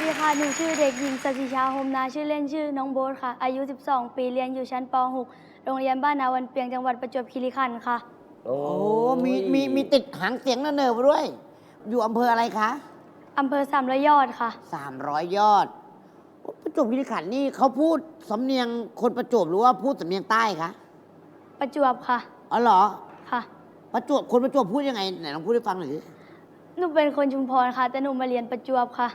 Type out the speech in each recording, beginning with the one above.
ดีค่ะ หนูชื่อเด็กหญิงสศิชาโฮมนาชื่อเล่นชื่อน้องโบ๊ทค่ะ อายุ 12 ปี เรียนอยู่ชั้นป .6 โรงเรียนบ้านนาวันเปียง จังหวัดประจวบคีรีขันธ์ค่ะโอ้โอ้มีติดหางเสียงเนิร์มาด้วย อยู่อำเภออะไรคะอำเภอสามร้อยยอดค่ะ 300 ยอดประจวบคีรีขันธ์นี่เขาพูดสำเนียงคนประจวบหรือว่าพูดสำเนียงใต้คะประจวบค่ะอ๋อเหรอค่ะประจวบคนประจวบพูดยังไงไหนลองพูดให้ฟังหน่อยสิหนูเป็นคนชุมพรค่ะ แต่หนูมาเรียนประจวบค่ะ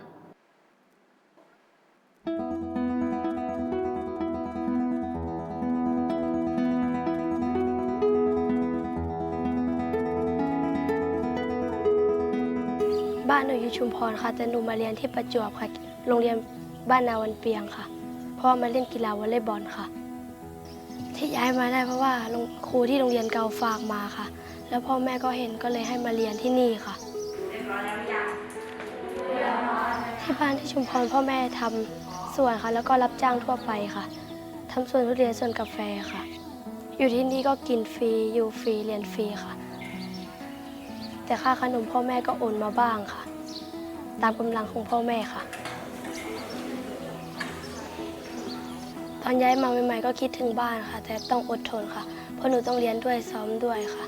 บ้านหนูอยู่ชุมพรค่ะ แต่หนูมาเรียนที่ประจวบค่ะ โรงเรียนบ้านนาวันเปียงค่ะ เพราะมาเล่นกีฬาวอลเลย์บอลค่ะ ที่ย้ายมาได้เพราะว่าครูที่โรงเรียนเก่าฝากมาค่ะ แล้วพ่อแม่ก็เห็นก็เลยให้มาเรียนที่นี่ค่ะ ที่บ้านที่ชุมพรพ่อแม่ทำสวนค่ะ แล้วก็รับจ้างทั่วไปค่ะทำสวนทุเรียนสวนกาแฟค่ะ อยู่ที่นี่ก็กินฟรีอยู่ฟรีเรียนฟรีค่ะ แต่ค่าขนมพ่อแม่ก็โอนมาบ้างค่ะ ตามกำลังของพ่อแม่ค่ะ ตอนย้ายมาใหม่ๆก็คิดถึงบ้านค่ะ แต่ต้องอดทนค่ะ เพราะหนูต้องเรียนด้วยซ้อมด้วยค่ะ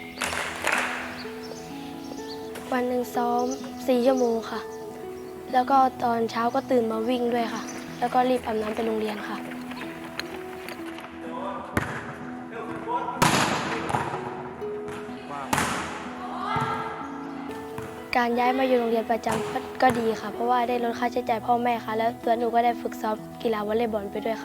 วันหนึ่งซ้อม4 ชั่วโมงค่ะ แล้วก็ตอนเช้าก็ตื่นมาวิ่งด้วยค่ะ แล้วก็รีบอาบน้ำไปโรงเรียนค่ะ การย้ายมาอยู่โรงเรียนประจำก็ดีค่ะ เพราะว่าได้ลดค่าใช้จ่ายพ่อแม่ค่ะ แล้วตัวหนูก็ได้ฝึกซ้อมกีฬาวอลเลย์บอลไปด้วยค่ะ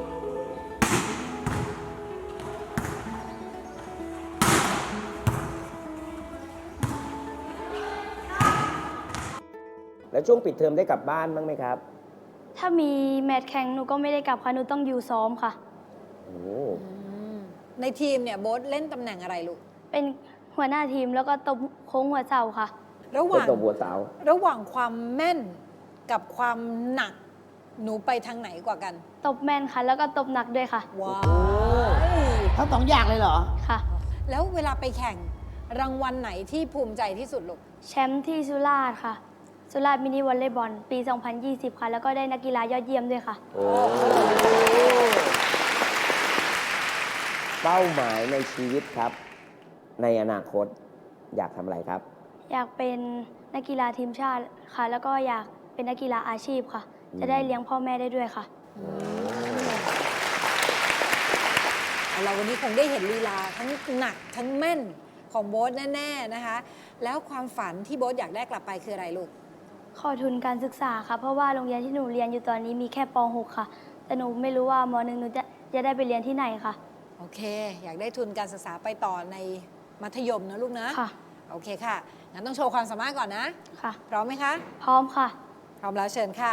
แล้วช่วงปิดเทอมได้กลับบ้านบ้างไหมครับถ้ามีแมตช์แข่งหนูก็ไม่ได้กลับค่ะ หนูต้องอยู่ซ้อมค่ะโอ้ในทีมเนี่ยโบ๊ทเล่นตำแหน่งอะไรลูกเป็นหัวหน้าทีมแล้วก็ตบโค้งหัวเสาค่ะระหเป็นว่างตัวบัวสาวระหว่างความแม่นกับความหนัก หนูไปทางไหนกว่ากันตบแม่นค่ะ แล้วก็ตบหนักด้วยค่ะว้าวทั้ง2 อย่างเลยเหรอค่ะแล้วเวลาไปแข่งรางวัลไหนที่ภูมิใจที่สุดลูกแชมป์ที่สุราษฎร์ค่ะ สุราษฎร์มินิวอลเลย์บอลปี 2020 ค่ะ แล้วก็ได้นักกีฬายอดเยี่ยมด้วยค่ะโอ้เป้าหมายในชีวิตครับ ในอนาคตอยากทำอะไรครับอยากเป็นนักกีฬาทีมชาติค่ะ แล้วก็อยากเป็นนักกีฬาอาชีพค่ะ จะได้เลี้ยงพ่อแม่ได้ด้วยค่ะเราวันนี้คงได้เห็นลีลาทั้งหนักทั้งแม่นของโบ๊ทแน่ๆนะคะ แล้วความฝันที่โบ๊ทอยากได้กลับไปคืออะไรลูกขอทุนการศึกษาค่ะ เพราะว่าโรงเรียนที่หนูเรียนอยู่ตอนนี้มีแค่ป .6 ค่ะ แต่หนูไม่รู้ว่าม.1 หนูจะได้ไปเรียนที่ไหนค่ะโอเค อยากได้ทุนการศึกษาไปต่อในมัธยมนะลูกนะค่ะโอเคค่ะ งั้นต้องโชว์ความสามารถก่อนนะค่ะพร้อมไหมคะพร้อมค่ะพร้อมแล้วเชิญค่ะ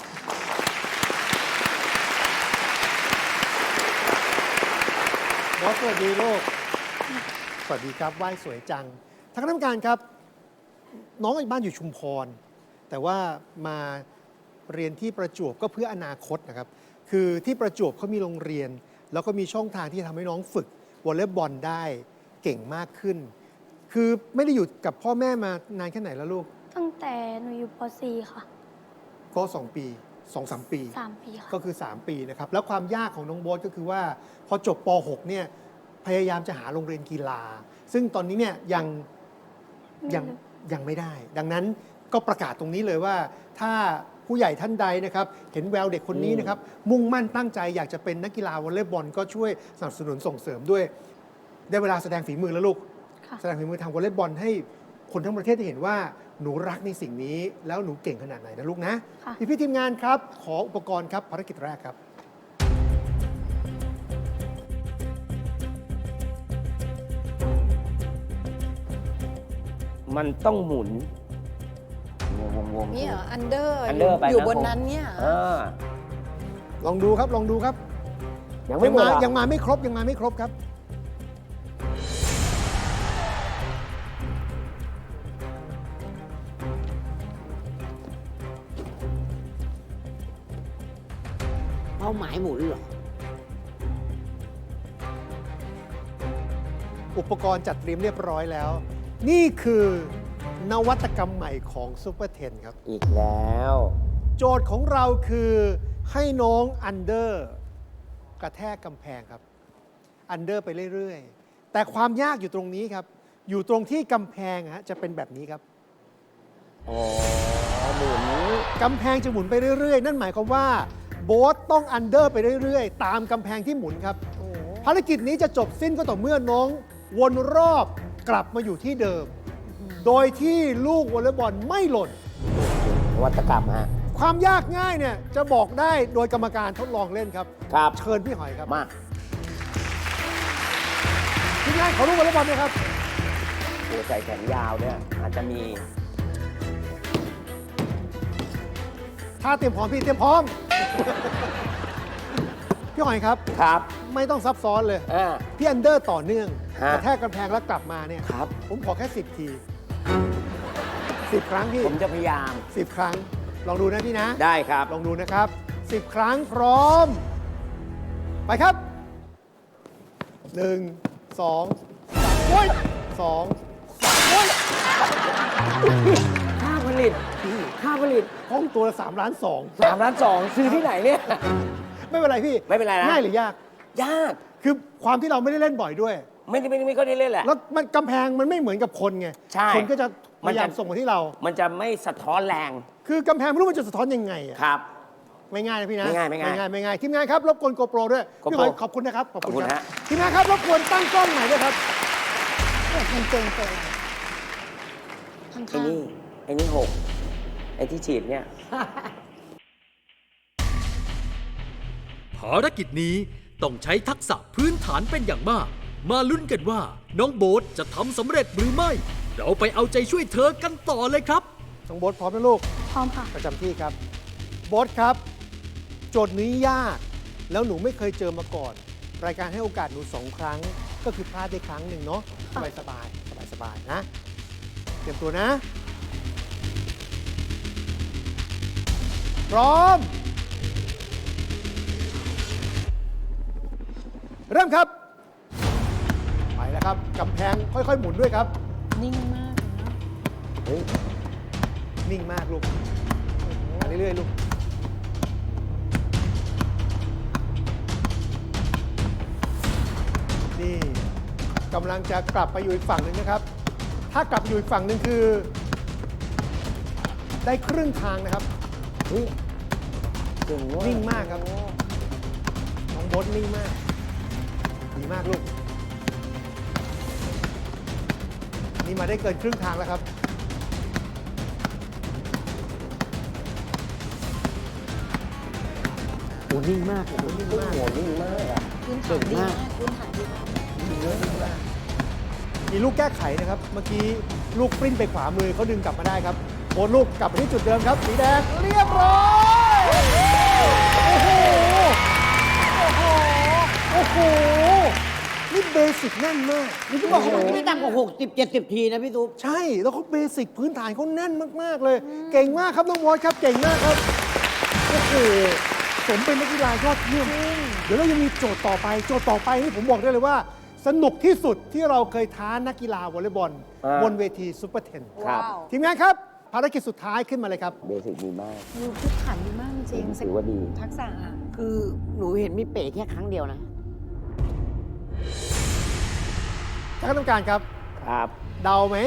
บอสสวัสดีลูก สวัสดีครับไหว้สวยจังทางคณะกรรมการครับ น้องบ้านอยู่ชุมพร แต่ว่ามาเรียนที่ประจวบก็เพื่ออนาคตนะครับ คือที่ประจวบเขามีโรงเรียน แล้วก็มีช่องทางที่ทำให้น้องฝึกวอลเลย์บอลได้เก่งมากขึ้น คือไม่ได้อยู่กับพ่อแม่มานานแค่ไหนแล้วลูกตั้งแต่หนูอยู่ป .4 ค่ะก็2 ปี 2-3 ปี 3 ปีค่ะก็คือ 3 ปีนะครับ แล้วความยากของน้องโบ๊ทก็คือว่าพอจบป .6 เนี่ยพยายามจะหาโรงเรียนกีฬา ซึ่งตอนนี้เนี่ยยังไม่ได้ ดังนั้นก็ประกาศตรงนี้เลยว่า ถ้าผู้ใหญ่ท่านใดนะครับ เห็นแววเด็กคนนี้นะครับ มุ่งมั่นตั้งใจอยากจะเป็นนักกีฬาวอลเลย์บอลก็ช่วยสนับสนุนส่งเสริมด้วย ได้เวลาแสดงฝีมือแล้วลูกค่ะแสดงฝีมือทางวอลเลย์บอลให้คนทั้งประเทศได้เห็นว่าหนูรักในสิ่งนี้ แล้วหนูเก่งขนาดไหนนะลูกนะค่ะพี่ทีมงานครับ ขออุปกรณ์ครับภารกิจแรกครับมันต้องหมุนวงนี่เหรอ อันเดอร์ under ไปอยู่นะบนนั้นเนี่ยเหรออ่าลองดูครับลองดูครับยังไม่หมดเหรอยังมาไม่ครบยังมาไม่ครบครับเป้าหมายหมุนเหรออุปกรณ์จัดเตรียมเรียบร้อยแล้ว นี่คือนวัตกรรมใหม่ของซูเปอร์เทนครับอีกแล้วโจทย์ของเราคือให้น้องอันเดอร์กระแทกกำแพงครับ อันเดอร์ไปเรื่อยๆ แต่ความยากอยู่ตรงนี้ครับ อยู่ตรงที่กำแพงฮะจะเป็นแบบนี้ครับอ๋อหมุนกำแพงจะหมุนไปเรื่อยๆ นั่นหมายความว่าโบ๊ทต้องอันเดอร์ไปเรื่อยๆ ตามกำแพงที่หมุนครับ ภารกิจนี้จะจบสิ้นก็ต่อเมื่อน้องวนรอบกลับมาอยู่ที่เดิม โดยที่ลูกวอลเลย์บอลไม่หล่นนวัตกรรมฮะความยากง่ายเนี่ยจะบอกได้โดยกรรมการทดลองเล่นครับครับเชิญพี่หอยครับมาทีมงานขอลูกวอลเลย์บอลนะครับโอ้ใส่แขนยาวเนี่ยอาจจะมีถ้าเตรียมพร้อมพี่เตรียมพร้อม พี่หอยครับครับไม่ต้องซับซ้อนเลยอ่าพี่อันเดอร์ต่อเนื่องฮะกระแทกกำแพงแล้วกลับมาเนี่ยครับผมขอแค่ 10 ที 10 ครั้งพี่ผมจะพยายาม 10 ครั้ง ลองดูนะพี่นะได้ครับลองดูนะครับ 10 ครั้งพร้อม ไปครับ 1 2 3โอ้ย2 3โอ้ยค่าผลิต ค่าผลิตห้องตัวละ3 ล้าน 3 ล้าน 2ซื้อที่ไหนเนี่ย 2 ไม่เป็นไรพี่ไม่เป็นไรนะง่ายหรือยากยากคือความที่เราไม่ได้เล่นบ่อยด้วยไม่ค่อยได้เล่นแหละแล้วมันกำแพงมันไม่เหมือนกับคนไงใช่คนก็จะพมันยายามจะส่งมาที่เรามันจะไม่สะท้อนแรงคือกำแพงไม่รู้มันจะสะท้อนยังไงอะครับไม่ง่ายนะพี่นะไม่ง่ายไม่ง่ายไม่ง่ายทีมงานครับรบกวนโกโปรด้วย GoPro พี่หอยขอบคุณนะครับ ขอบคุณขอบคุณครัฮะทีมงานครับรบกวนตั้งกล้องใหม่ด้วยครับมันเก่งเกินข้างไอ้นี่หกไอ้ที่ฉีดเนี่ยภารกิจนี้ต้องใช้ทักษะพื้นฐานเป็นอย่างมาก มาลุ้นกันว่าน้องโบ๊ทจะทำสำเร็จหรือไม่ เราไปเอาใจช่วยเธอกันต่อเลยครับน้องโบ๊ทพร้อมนะลูกพร้อมค่ะประจำที่ครับโบ๊ทครับ โจทย์นี้ยาก แล้วหนูไม่เคยเจอมาก่อน รายการให้โอกาสหนู2 ครั้ง ก็คือพลาดได้ครั้งหนึ่งเนาะสบายสบายสบายสบายๆนะ เตรียมตัวนะ พร้อม เริ่มครับ ไปแล้วครับกำแพงค่อยๆ หมุนด้วยครับนิ่งมากเลยนะเฮ้ยนิ่งมากลูกมาเรื่อยๆ ลูก นี่กำลังจะกลับไปอยู่อีกฝั่งหนึ่งนะครับ ถ้ากลับอยู่อีกฝั่งหนึ่งคือ ได้ครึ่งทางนะครับเฮ้ยเก่งว่ะนิ่งมากครับ น้องโบ๊ทนิ่งมาก ดีมากลูก นี่มาได้เกินครึ่งทางแล้วครับโอ้นิ่งมากโอ้นิ่งโอ้มากโหนิ่งมากอะพื้นฐานดีมากพื้นฐานดีมากมีลูกแก้ไขนะครับ เมื่อกี้ลูกปริ้นไปขวามือเขาดึงกลับมาได้ครับโอนลูกกลับไปที่จุดเดิมครับ สีแดงเรียบร้อยโอ้โหโอ้โหโอ้โหนี่เบสิกแน่นมากนี่เขาบอกเขาไม่ต่ำกว่า60-70 ทีนะพี่ตุ๊กใช่แล้วเขาเบสิกพื้นฐานเขาแน่นมาก ๆ เลย เก่งมากครับน้องวอสครับเก่งมากครับโอ้โหสมเป็นนักกีฬายอดเยี่ยมเดี๋ยวเรายังมีโจทย์ต่อไปโจทย์ต่อไปนี่ผมบอกได้เลยว่า สนุกที่สุดที่เราเคยท้านักกีฬาวอลเลย์บอล บนเวทีซุปเปอร์เทนครับว้าวทีมงานครับ ภารกิจสุดท้ายขึ้นมาเลยครับเบสิกดีมากดูพื้นฐานดีมากจริงถือว่าดีทักษะอะคือหนูเห็นมีเป๋แค่ครั้งเดียวนะท่านคณะกรรมการครับครับเดาไหม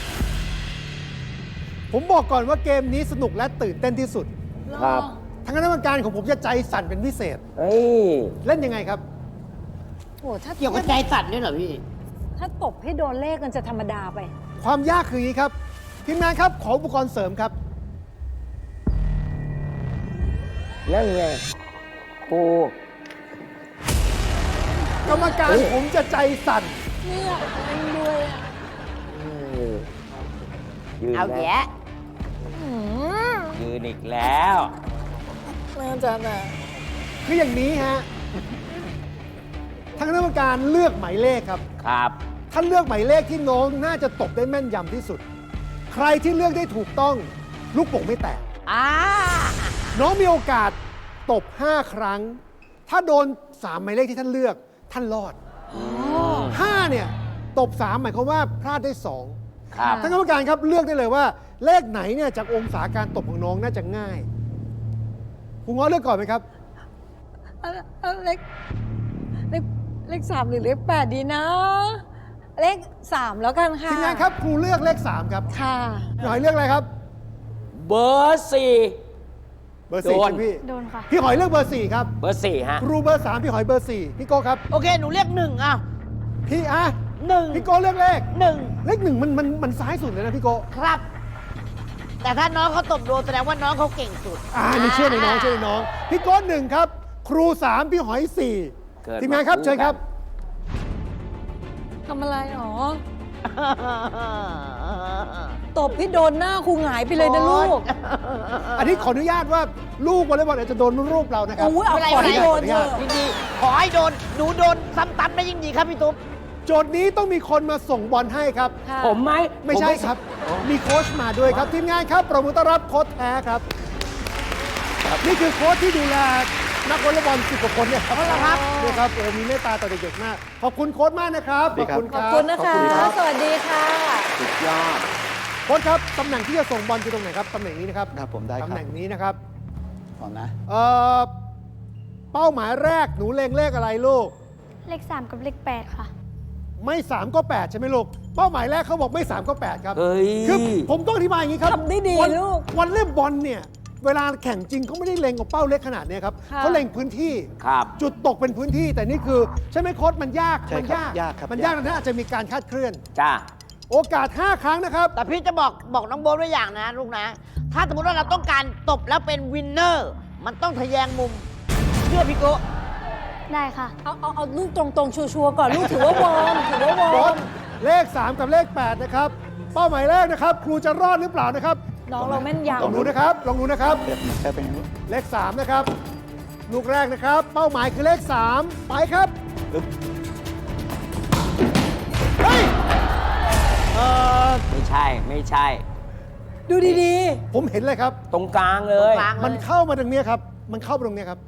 ผมบอกก่อนว่าเกมนี้สนุกและตื่นเต้นที่สุดครับทางคณะกรรมการของผมจะใจสั่นเป็นพิเศษเฮ้ยเล่นยังไงครับโอ้ถ้าเกี่ยวกับใจสั่นด้วยเหรอพี่ถ้าตบให้โดนเลขกันจะธรรมดาไปความยากคืออย่างนี้ครับ ทีมงานครับ ขออุปกรณ์เสริมครับนั่นไงปูกรรมการผมจะใจสั่นเนี่ยมันด้วยอะยืนเอาแล้วแยะยืนอีกแล้วน่าจะแบบคืออย่างนี้ฮะทางคณะกรรมการเลือกหมายเลขครับครับท่านเลือกหมายเลขที่น้องน่าจะตบได้แม่นยำที่สุด ใครที่เลือกได้ถูกต้อง ลูกโป่งไม่แตก น้องมีโอกาสตบ 5 ครั้ง ถ้าโดน 3 หมายเลขที่ท่านเลือก ท่านรอด 5 เนี่ย ตบ 3 หมายความว่าพลาดได้ 2 ครับท่านกรรมการครับเลือกได้เลยว่า เลขไหนเนี่ยจากองศาการตบของน้องน่าจะง่ายครูง้อเลือกก่อนไหมครับเอาเลข 3 หรือเลข 8 ดีนะ เลข 3 แล้วกันค่ะทีมงานครับครูเลือกเลข 3 ครับค่ะพี่หอยเลือกอะไรครับเบอร์สี่เบอร์โด 4 นใช่ไหมพี่โดนค่ะพี่หอยเลือกเบอร์ 4 ครับเบอร์สี่ฮะครูเบอร์ 3 พี่หอยเบอร์ 4 พี่โก้ครับโอเค หนูเรียกหนึ่งอ่ะพี่อะหนึ่งพี่โก้เลือกเลขหนึ่งเลข 1มันซ้ายสุดเลยนะพี่โก้ครับ แต่ถ้าน้องเขาตบโดนแสดงว่าน้องเขาเก่งสุดนี่เชื่อในน้องเชื่อในน้อง พี่โก้1ครับ ครู 3 พี่หอยเกิด 4 ทีมงานครับมาคู่เชิญครับกันทำอะไรหรอ ตบพี่โดนหน้าครูหงายไปเลยนะลูกอันนี้ขออนุญาตว่าลูกวอลเลย์บอลอาจจะโดนรูปเรานะครับโอ้ยเอาไม่ขอเป็นไรให้โดนเถอะยินดีขอให้โดน หนูโดนซ้ำตับได้ยิ่งดีครับพี่ตุ๊บโจทย์นี้ต้องมีคนมาส่งบอลให้ครับค่ะผมไหมไม่ใช่ครับ มีโค้ชมาด้วยครับ ทีมงานครับประมือต้อนรับโค้ชแท้ครับ นี่คือโค้ชที่ดูแลนักวอลเลย์บอล10 กว่าคนเนี่ยครับนี่ครับมีเมตตาต่อเด็กๆมาก ขอบคุณโค้ชมากนะครับ ขอบคุณคขอบรับคุณนะคะรับสวัสดีค่ะสุดยอดโค้ชครับตำแหน่งที่จะส่งบอลคือตรงไหนครับตำแหน่งนี้นะครับครับผมได้ครับตำแหน่งนี้นะครับพร้อมนะเป้าหมายแรกหนูเล็งเลขอะไรลูกเลข 3 กับเลข 8 ค่ะไม่ 3 ก็ 8 ใช่ไหมลูก เป้าหมายแรกเขาบอกไม่ 3 ก็ 8 ครับเฮ้ยคือผมต้องอธิบายอย่างนี้ครับทำได้ดีลูกวอลเลย์บอลเนี่ยเวลาแข่งจริงเขาไม่ได้เล็งกับเป้าเล็กขนาดเนี้ยครับค่ะเขาเล็งพื้นที่ครับจุดตกเป็นพื้นที่แต่นี่คือใช่ไหมโค้ชมันยากใช่มันครับยากครับมันยากยากนะอาจจะมีการคาดเคลื่อนจ้าโอกาส 5 ครั้งนะครับแต่พี่จะบอกน้องโบ๊ทไว้อย่างนะลูกนะ ถ้าสมมติว่าเราต้องการตบแล้วเป็นวินเนอร์ มันต้องทะแยงมุม เชื่อพี่โกะได้ค่ะเอาลูกตรงๆ ชัวร์ๆก่อน ลูกถือว่าวอร์มถือว่าวอโค้ร์ชมเลข 3 กับเลข 8 นะครับ เป้าหมายแรกนะครับ ครูจะรอดหรือเปล่านะครับน้องเราแม่นลองยำดูนะครับลองดูนะครับเดี๋ยวแค่เป็นอย่างนี้เลข 3 นะครับ ลูกแรกนะครับ เป้าหมายคือเลข 3 ไปครับ เฮ้ยไม่ใช่ ไม่ใช่ดูดีผมเห็นเลยครับตรงกลางเลยตรงกลางมันเข้ามาตรงเนี้ยครับ มันเข้ามาตรงเนี้ยครับ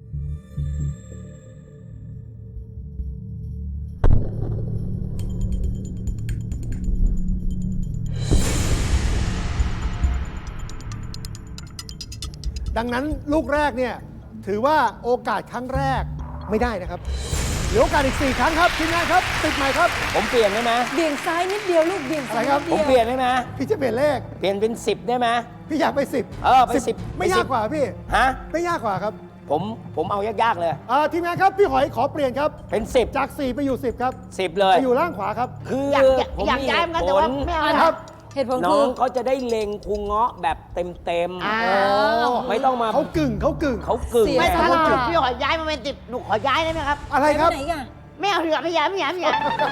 ดังนั้นลูกแรกเนี่ยถือว่าโอกาสครั้งแรกไม่ได้นะครับเหลือโอกาสอีก 4 ครั้งครับทีมงานครับติดใหม่ครับผมเปลี่ยนได้ไหมๆ เบี่ยงซ้ายนิดเดียวลูก เบี่ยงซ้ายอะไรครับนิดผมเดียวเปลี่ยนได้ไหมพี่จะเปลี่ยนเลขเปลี่ยนเป็น 10 ได้ไหมพี่อยากไป 10 เออไป10 ไม่ไป10 ยากกว่าพี่ฮะไม่ยากกว่าครับผมเอายากๆเลยทีมงานครับพี่หอยขอเปลี่ยนครับเป็น 10 จาก 4 ไปอยู่ 10 ครับ 10 เลยไปอยู่ล่างขวาครับคืออยากย้ายเหมือนกันแต่ว่าไม่เอาครับเหตุผลน้คือ องเขาจะได้เล็งครูเงาะแบบเต็มอ่าๆ ไม่ต้องมาเขากึ่งเขากึ่งไม่ไงถ้าเราพี่ขอย้ายมาเป็นติดหนูขอย้ายได้ไหมครับอะไรครับไปไหนกันไม่เอาเถอะไม่ย้ายไม่ย้ายไม่ย้าย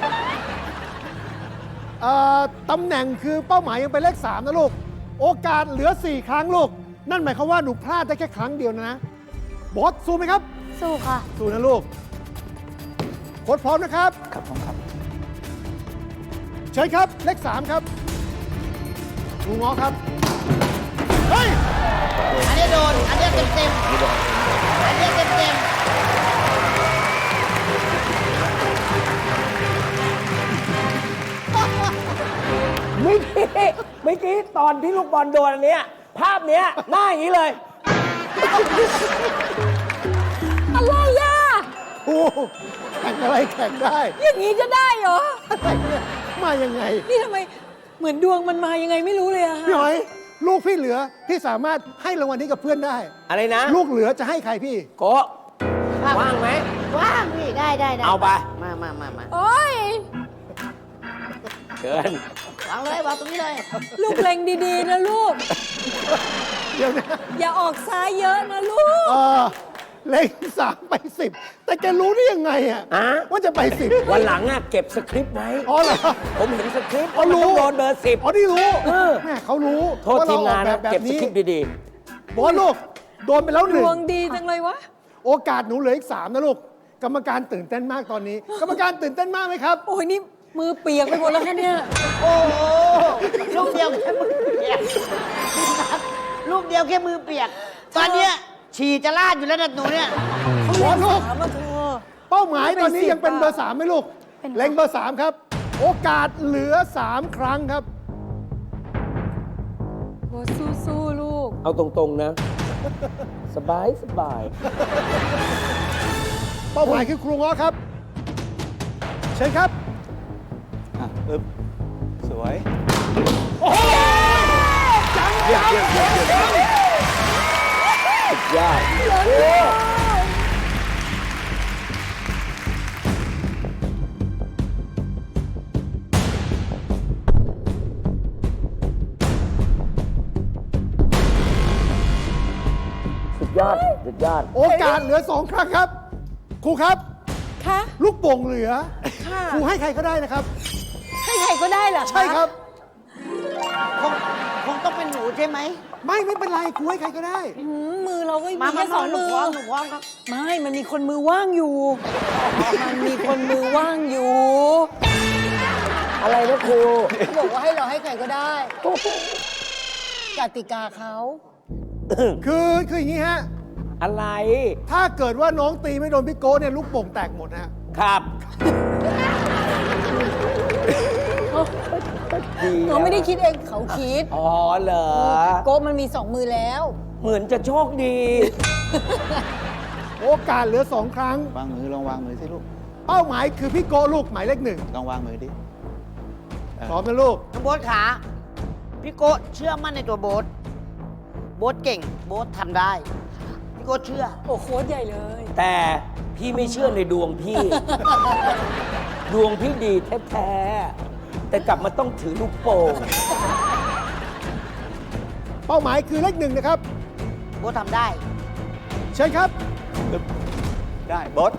ตำแหน่งคือเป้าหมายยังเป็นเลข 3 นะลูก โอกาสเหลือ 4 ครั้งลูก นั่นหมายความว่าหนูพลาดได้แค่ครั้งเดียวนะบอสสู้ไหมครับสู้ค่ะสู้นะลูกโค้ชพร้อมนะครับครับผมครับเชิญครับ เลข 3 ครับครูง้อครับ เฮ้ยอันนี้โดน อันนี้เต็มเต็มอันนี้เต็มเต็มเมื่อกี้ตอนที่ลูกบอลโดนอันเนี้ย ภาพเนี้ยหน้าอย่างนี้เลยอะไรอ่ะโอ้โหแข่งอะไรแข่งได้อย่างนี้จะได้เหรออะไรเนี่ยมายังไงนี่ทำไมเหมือนดวงมันมายังไงไม่รู้เลยอะพี่หอย ลูกพี่เหลือ พี่สามารถให้รางวัลนี้กับเพื่อนได้อะไรนะลูกเหลือจะให้ใครพี่โกะว่างไหมว่างพี่ได้เอาไปมาโอ้ยเชิญวางเลยวางตรงนี้เลยลูกเล็งดีๆนะลูกเดี๋ยวนะอย่าออกซ้ายเยอะนะลูกเลข3 ไป 10 แต่แกรู้ได้ยังไงอ่ะอะว่าจะไป 10 วันหลังอ่ะเก็บสคริปต์ไว้อ๋อเหรอผมเห็นสคริปต์อ๋อรู้ว่ามันต้องโดนเบอร์ 10 อ๋อนี่รู้เออแม่เขารู้โทษทีมงานว่นะเรออกแบบเก็บสนี้คริปต์ดีบอสลูก โดนไปแล้วด 1 วงดีจังเลยวะโอกาสหนูเหลืออีก 3 นะลูก กรรมการตื่นเต้นมากตอนนี้ กรรมการตื่นเต้นมากไหมครับโอ้ยนี่มือเปียกไปหมดแล้วคะเนี่ยโอ้โหลูกเดียวแค่มือเปียกลูกเดียวแค่มือเปียก ตอนเนี้ยฉี่จะลาดอยู่แล้วนะหนูเนี่ยบอสลูกถามมาเธอเป้าหมายตอนนี้ไม่ยังเป็น 10 เบอร์ 3ไหมลูกเป็นเล็งเบอร์ 3 ครับ โอกาสเหลือ 3 ครั้งครับโบสู้ๆลูกๆ เอาตรงๆนะสบายสบายเป้าหมายคือครูง้อครับ เชิญครับอ่ะอึ๊บสวยสุดยอดสุดยอด สุดยอดโอกาสเหลือ 2 ครั้งครับ ครูครับคะลูกโป่งเหลือค่ะครูให้ใครก็ได้นะครับให้ใครก็ได้เหรอคะใช่ครับคงต้องเป็นหนูใช่ไหมไม่เป็นไรครูให้ใครก็ได้มือเราก็มามีแค่สองหนูมือพร้อมหนูพร้อมครับไม่ มันมีคนมือว่างอยู่ มันมีคนมือว่างอยู่อะไรนะครูเขาบอกว่าให้เราให้ใครก็ได้กติกาเขาคืออย่างนี้ฮะอะไรถ้าเกิดว่าน้องตีไม่โดนพี่โก้เนี่ยลูกโป่งแตกหมดนะฮะครับดีเขาไม่ได้คิดเองเขาคิดอ๋อเหรอโก้มันมีสองมือแล้วเหมือนจะโชคดีโอกาสเหลือ 2 ครั้งวางมือลองวางมือสิลูกเป้าหมายคือพี่โก้ลูกหมายเลขลองวางมือดิ 1พร้อมนะลูกน้องโบ๊ทขาพี่โก้เชื่อมั่นในตัวโบ๊ทโบ๊ทเก่ง โบ๊ททำได้ พี่โก้เชื่อโอ้โค้ดใหญ่เลยแต่พี่ไม่เชื่อในดวงพี่ ดวงพี่ดีแท้ๆ แต่กลับมาต้องถือลูกโป่งเป้าหมายคือเลข 1นะครับโบ๊ททำได้เชิญครับได้บอส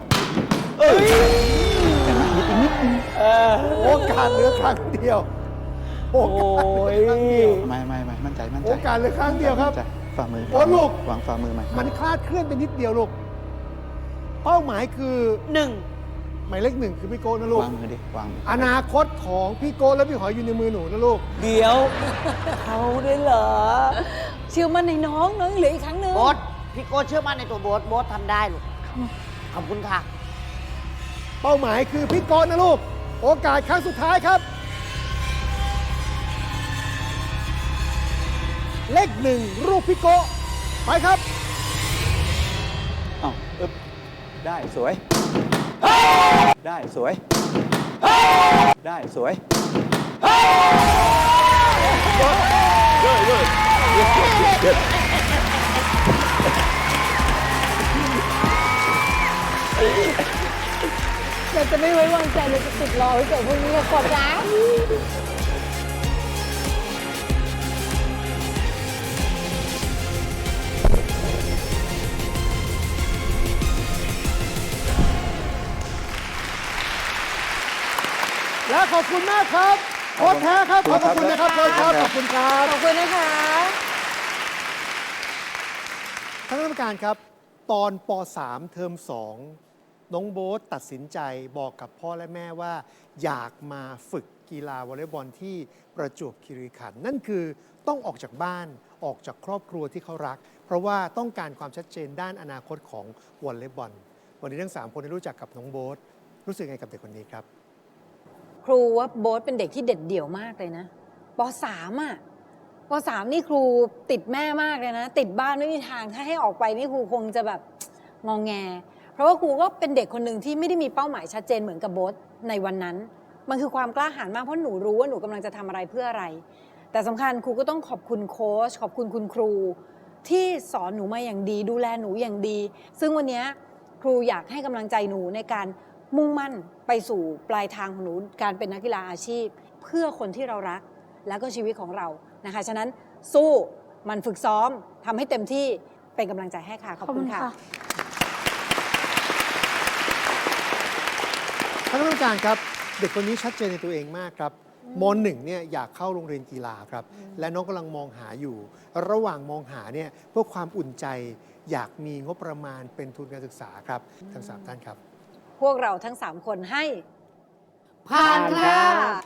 โอกาสเหลือครั้งเดียว โอกาสเหลือครั้งเดียวไม่มั่นใจโอกาสเหลือครั้งเดียวครับมั่นใจฝ่ามือโอ้ลูกวางฝ่ามือใหม่มันคลาดเคลื่อนไปนิดเดียวลูก เป้าหมายคือ 1 หมายเลข 1คือพี่โก้นะลูกวางมือดิ วางมืออนาคตของพี่โก้และพี่หอยอยู่ในมือหนูนะลูกเดี๋ยว เขาได้เหรอเชื่อมันในน้องน้องยังเหลืออีกครั้งหนึ่งโบ๊ทพี่โก้เชื่อมั่นในตัวโบ๊ทโบ๊ททำได้ลูก ขอบคุณค่ะเป้าหมายคือพี่โก้นะลูก โอกาสครั้งสุดท้ายครับ เลข 1 รูปพี่โก้ไปครับอ้าวอึ๊บได้สวย ได้สวย ได้สวยเราจะไม่ไว้วางใจเราจะติดรอไว้เกิดพวกนี้กดนะและขอบคุณมากครับโค้ชแท้ครับ ขอบพระคุณนะครับโค้ชครับ ขอบคุณครับขอบคุณนะคะท่านคณะกรรมการครับ ตอนป .3 เทอม 2 น้องโบ๊ทตัดสินใจบอกกับพ่อและแม่ว่า อยากมาฝึกกีฬาวอลเลย์บอลที่ประจวบคีรีขันธ์นั่นคือต้องออกจากบ้านออกจากครอบครัวที่เขารัก เพราะว่าต้องการความชัดเจนด้านอนาคตของวอลเลย์บอลวันนี้ทั้ง 3 คนได้รู้จักกับน้องโบ๊ทรู้สึกไงกับเด็กคนนี้ครับครูว่าโบ๊ทเป็นเด็กที่เด็ดเดี่ยวมากเลยนะป .3 อ่ะป .3 นี่ครูติดแม่มากเลยนะ ติดบ้านไม่มีทางถ้าให้ออกไปนี่ครูคงจะแบบงองแง เพราะว่าครูก็เป็นเด็กคนหนึ่งที่ไม่ได้มีเป้าหมายชัดเจนเหมือนกับโบ๊ทในวันนั้น มันคือความกล้าหาญมากเพราะหนูรู้ว่าหนูกำลังจะทำอะไรเพื่ออะไร แต่สำคัญครูก็ต้องขอบคุณโค้ชขอบคุณคุณครู ที่สอนหนูมาอย่างดี ดูแลหนูอย่างดี ซึ่งวันนี้ครูอยากให้กำลังใจหนูในการมุ่งมั่นไปสู่ปลายทางของหนูการเป็นนักกีฬาอาชีพ เพื่อคนที่เรารักและก็ชีวิตของเรานะคะฉะนั้นสู้มันฝึกซ้อมทำให้เต็มที่เป็นกำลังใจให้ค่ะขอบคุณค่ะท่านผู้การครับเด็กคนนี้ชัดเจนในตัวเองมากครับม .1 เนี่ยอยากเข้าโรงเรียนกีฬาครับและน้องกำลังมองหาอยู่ ระหว่างมองหาเนี่ยเพื่อความอุ่นใจอยากมีงบประมาณเป็นทุนการศึกษาครับทั้ง 3 ท่านครับพวกเราทั้ง 3 คนให้ผ่านค่ะ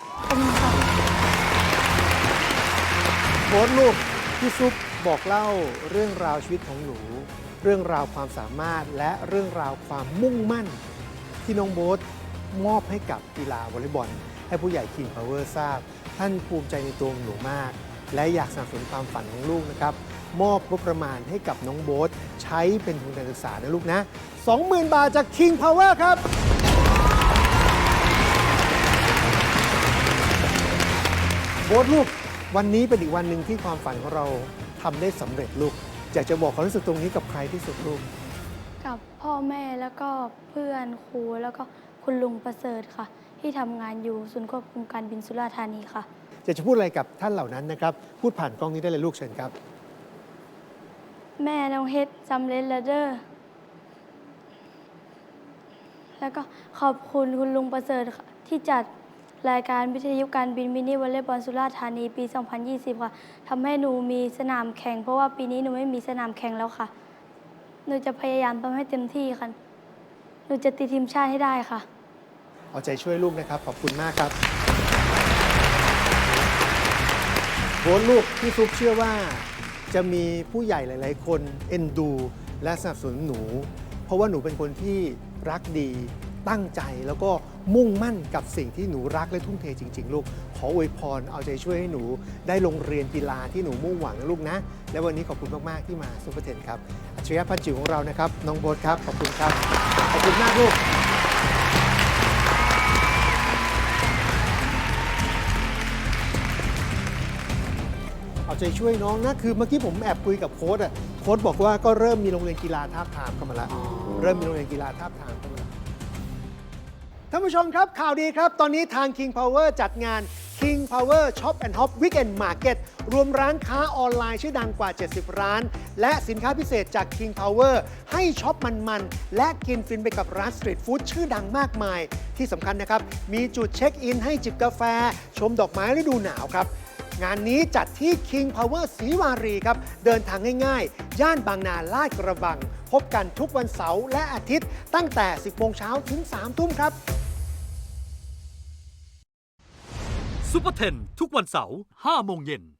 โบ๊ทลูกพี่ซุปบอกเล่าเรื่องราวชีวิตของหนู เรื่องราวความสามารถและเรื่องราวความมุ่งมั่น ที่น้องโบ๊ทมอบให้กับกีฬาวอลเลย์บอลให้ผู้ใหญ่ King Power ทราบ ท่านภูมิใจในตัวหนูมาก และอยากสนับสนุนความฝันของลูกนะครับมอบงบประมาณให้กับน้องโบ๊ทใช้เป็นทุนการศึกษานะลูกนะ 20,000 บาทจาก King Power ครับ โบ๊ทลูกวันนี้เป็นอีกวันหนึ่งที่ความฝันของเราทำได้สำเร็จลูกอยากจะบอกความรู้สึกตรงนี้กับใครที่สุดลูกกับพ่อแม่แล้วก็เพื่อนครูแล้วก็คุณลุงประเสริฐค่ะ ที่ทำงานอยู่ศูนย์ควบคุมการบินสุราษฎร์ธานีค่ะอยากจะพูดอะไรกับท่านเหล่านั้นนะครับ พูดผ่านกล้องนี้ได้เลยลูกเชิญครับแม่น้องเฮ็ดสำเร็จแล้วเด้อแล้วก็ขอบคุณคุณลุงประเสริฐค่ะที่จัดรายการวิทยุการบินมินิวอลเลย์บอลสุราษฎร์ธานีปี 2020 ค่ะทำให้หนูมีสนามแข่ง เพราะว่าปีนี้หนูไม่มีสนามแข่งแล้วค่ะ หนูจะพยายามทำให้เต็มที่ค่ะ หนูจะติดทีมชาติให้ได้ค่ะเอาใจช่วยลูกนะครับ ขอบคุณมากครับโบ๊ทลูกพี่ซุปเชื่อว่าจะมีผู้ใหญ่หลาย ๆ คนเอ็นดู และสนับสนุนหนู เพราะว่าหนูเป็นคนที่รักดี ตั้งใจแล้วก็มุ่งมั่นกับสิ่งที่หนูรักและทุ่มเทจริง ๆ ลูก ขออวยพรเอาใจช่วยให้หนูได้ลงเรียนกีฬาที่หนูมุ่งหวังนะลูกนะ และวันนี้ขอบคุณมาก ๆ ที่มาซุปเปอร์เทนครับอัจฉริยะพันจิ๋วของเรานะครับน้องโบ๊ทครับขอบคุณครับขอบคุณมากลูก เอาใจช่วยน้องนะ คือเมื่อกี้ผมแอบคุยกับโค้ชโค้ชบอกว่าก็เริ่มมีโรงเรียนกีฬาทาบทามเข้ามาแล้ว เริ่มมีโรงเรียนกีฬาทาบทามเข้ามาแล้วท่านผู้ชมครับข่าวดีครับ ตอนนี้ทาง King Power จัดงาน King Power Shop and Hop Weekend Market รวมร้านค้าออนไลน์ชื่อดังกว่า 70 ร้าน และสินค้าพิเศษจาก King Power ให้ช็อปมันๆ และกินฟินไปกับร้านสตรีทฟู้ดชื่อดังมากมาย ที่สำคัญนะครับ มีจุดเช็คอินให้จิบกาแฟ ชมดอกไม้ฤดูหนาวครับ งานนี้จัดที่ King Power ศรีวารีครับ เดินทางง่ายๆ ย่านบางนาลาดกระบัง พบกันทุกวันเสาร์และอาทิตย์ ตั้งแต่ 10 โมงเช้าถึง 3 ทุ่มครับซุปเปอร์เทนทุกวันเสาร์ 5 โมงเย็น